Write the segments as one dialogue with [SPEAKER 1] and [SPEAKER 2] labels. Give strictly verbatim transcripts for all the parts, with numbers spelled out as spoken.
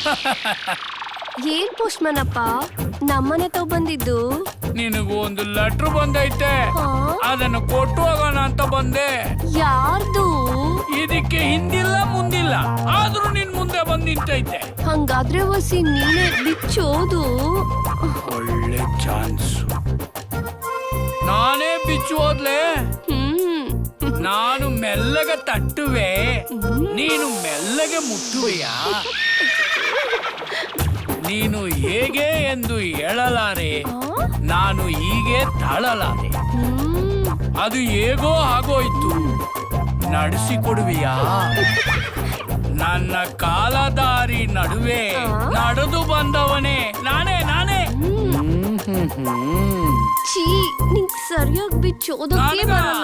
[SPEAKER 1] ಏನ್ post man ಅಪ್ಪ ನಮ್ಮನೆ ತಾವ್ ಬಂದಿದ್ದು?
[SPEAKER 2] ನಿನಗೂ ಒಂದು ಲೆಟರ್ ಬಂದೈತೆ, ಅದನ್ನು ಕೊಟ್ಟು ಹೋಗೋಣ ಅಂತ ಬಂದೆ.
[SPEAKER 1] ಯಾರ್ದು?
[SPEAKER 2] ಇದಕ್ಕೆ ಹಿಂದಿಲ್ಲ ಮುಂದಿಲ್ಲ, ಆದ್ರೂ ನಿನ್ ಮುಂದೆ ಬಂದ್ ನಿಂತೈತೆ.
[SPEAKER 1] ಹಂಗಾದ್ರೆ ವಸಿ ನೀನೆ ಬಿಚ್ಚೋದು.
[SPEAKER 2] ಒಳ್ಳೆ ಚಾನ್ಸ್. ನಾನೇ ಬಿಚ್ಚು ಹೋದ್ಲೆ.
[SPEAKER 1] ಹ್ಮ್
[SPEAKER 2] ನಾನು ಮೆಲ್ಲಗೆ ತಟ್ಟುವೆ, ನೀನು ಮೆಲ್ಲಗೆ ಮುಟ್ಟುವೆಯಾ? ನೀನು ಹೇಗೆ ಎಂದು ಹೇಳಲಾರೆ, ನಾನು ಹೀಗೆ ತಾಳಲಾರೆ. ಅದು ಹೇಗೋ ಆಗೋಯ್ತು, ನಡೆಸಿಕೊಡುವಿಯಾ? ನನ್ನ ಕಾಲದಾರಿ ನಡುವೆ ನಡೆದು ಬಂದವನೇ ನಾನೇ ನಾನೇ.
[SPEAKER 1] ಛೀ, ನಿಂಗ್ ಸರಿಯಾಗಿ ಬಿಚ್ಚೋದಕ್ಕೆ ಬರಲ್ಲ.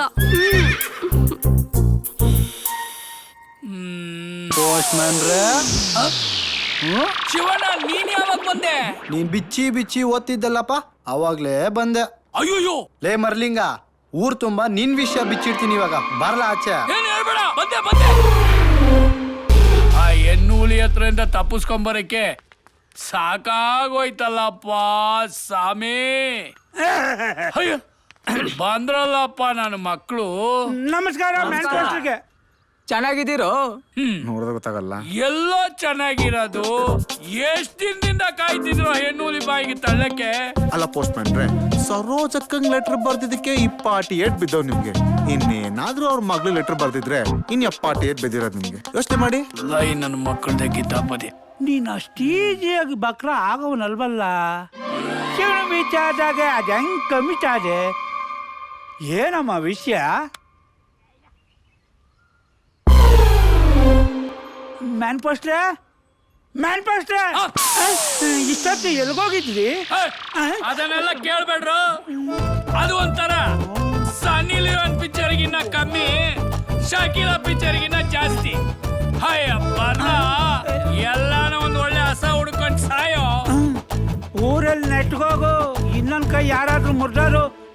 [SPEAKER 2] ಶಿವಣ್ಣ, ನೀನ್ ಯಾವಾಗ ಬಂದೆ?
[SPEAKER 3] ನೀನ್ ಬಿಚ್ಚಿ ಬಿಚ್ಚಿ ಓದ್ತಿದ್ದಲ್ಲಪ್ಪ, ಅವಾಗ್ಲೇ ಬಂದೆ.
[SPEAKER 2] ಅಯ್ಯೋಯ್ಯೋ,
[SPEAKER 3] ಲೇ ಮರ್ಲಿಂಗ, ಊರ್ ತುಂಬಾ ನಿನ್ ವಿಷಯ ಬಿಚ್ಚಿಡ್ತೀನಿ ಇವಾಗ, ಬರಲ್ಲ ಆಚೆ.
[SPEAKER 2] ಏನ್ ಹೇಳ್ಬೇಡ, ಬಂದೆ ಬಂದೆ. ಆ ಹೆಣ್ಣೂಲಿ ಹತ್ರದಿಂದ ತಪ್ಪಿಸ್ಕೊಂಬರಕ್ಕೆ ಸಾಕಾಗೋಯ್ತಲ್ಲಪ್ಪ ಸಾಮಿ. ಅಯ್ಯೋ, ಬಂದ್ರಲ್ಲಪ್ಪ ನನ್ನ ಮಕ್ಕಳು.
[SPEAKER 4] ನಮಸ್ಕಾರ.
[SPEAKER 5] ಚೆನ್ನಾಗಿದ್ದೀರೋ?
[SPEAKER 3] ನೋಡಿದ್ರೆ ಗೊತ್ತಾಗಲ್ಲ.
[SPEAKER 2] ಎಲ್ಲೋ ಚೆನ್ನಾಗಿರೋದು, ಎಷ್ಟ್ ದಿನದಿಂದ ಕಾಯ್ತಿದ್ರು ಹೆಣ್ಣೂಲಿ ಬಾಯಿಗೆ ತಳ್ಳಕ್ಕೆ.
[SPEAKER 6] ಅಲ್ಲ ಪೋಸ್ಟ್ ಮ್ಯಾನ್ರೆ, ಸರೋಜಕ್ಕಂಗ್ ಲೆಟರ್ ಬರ್ದಿದ್ದಕ್ಕೆ ಇಪ್ಪಾಟಿ ಏಟ್ ಬಿದ್ದವ್ ನಿಮ್ಗೆ. ಇನ್ನೇನಾದ್ರೂ ಅವ್ರ ಮಗ್ಳು ಲೆಟರ್ ಬರ್ದಿದ್ರೆ ಇನ್ ಎಪ್ಪಾಟಿ ಏಟ್ ಬಿದ್ದಿರೋದು ನಿಮ್ಗೆ. ಯೋಚನೆ ಮಾಡಿ.
[SPEAKER 2] ಲೈ ನನ್ನ ಮಕ್ಕಳದ ಕಿತಾಪತಿ.
[SPEAKER 4] ನೀನ್ ಅಷ್ಟು ಈಜಿಯಾಗಿ ಬಕ್ರ ಆಗವನಲ್ವಲ್ಲ. ಶಿವನ ಬಿಚ್ಚಾದಾಗ ಅದ ಹೆಂಗ್ ಕಮಿಟಾದೆ? ಏನಮ್ಮ ವಿಷಯ? ಮ್ಯಾನ್ ಪೋಸ್ಟ್ರೆ ಮ್ಯಾನ್ ಪೋಸ್ಟ್ರೆ ಇಷ್ಟೊತ್ತು ಎಲ್ಗೋಗಿದ್ರಿ?
[SPEAKER 2] ಅದನ್ನೆಲ್ಲ ಕೇಳ್ಬೇಡ್ರು. ಅದು ಒಂಥರ ಸನ್ನಿ ಲಿಯೋನ್ ಪಿಕ್ಚರ್ಗಿನ್ನ ಕಮ್ಮಿ, ಶಾಕಿಲಾ ಪಿಕ್ಚರ್ಗಿನ್ನ ಜಾಸ್ತಿ. ಅಯ್ಯಪ್ಪ, ಎಲ್ಲಾನ ಒಂದ್ ಒಳ್ಳೆ ಹಸ ಹುಡ್ಕೊಂಡ್ ಸಾಯೋ.
[SPEAKER 4] ಊರಲ್ಲಿ ನೆಟ್ಗೋಗು, ಇನ್ನೊಂದ್ ಕೈ ಯಾರಾದ್ರೂ ಮುರ್ದಾರು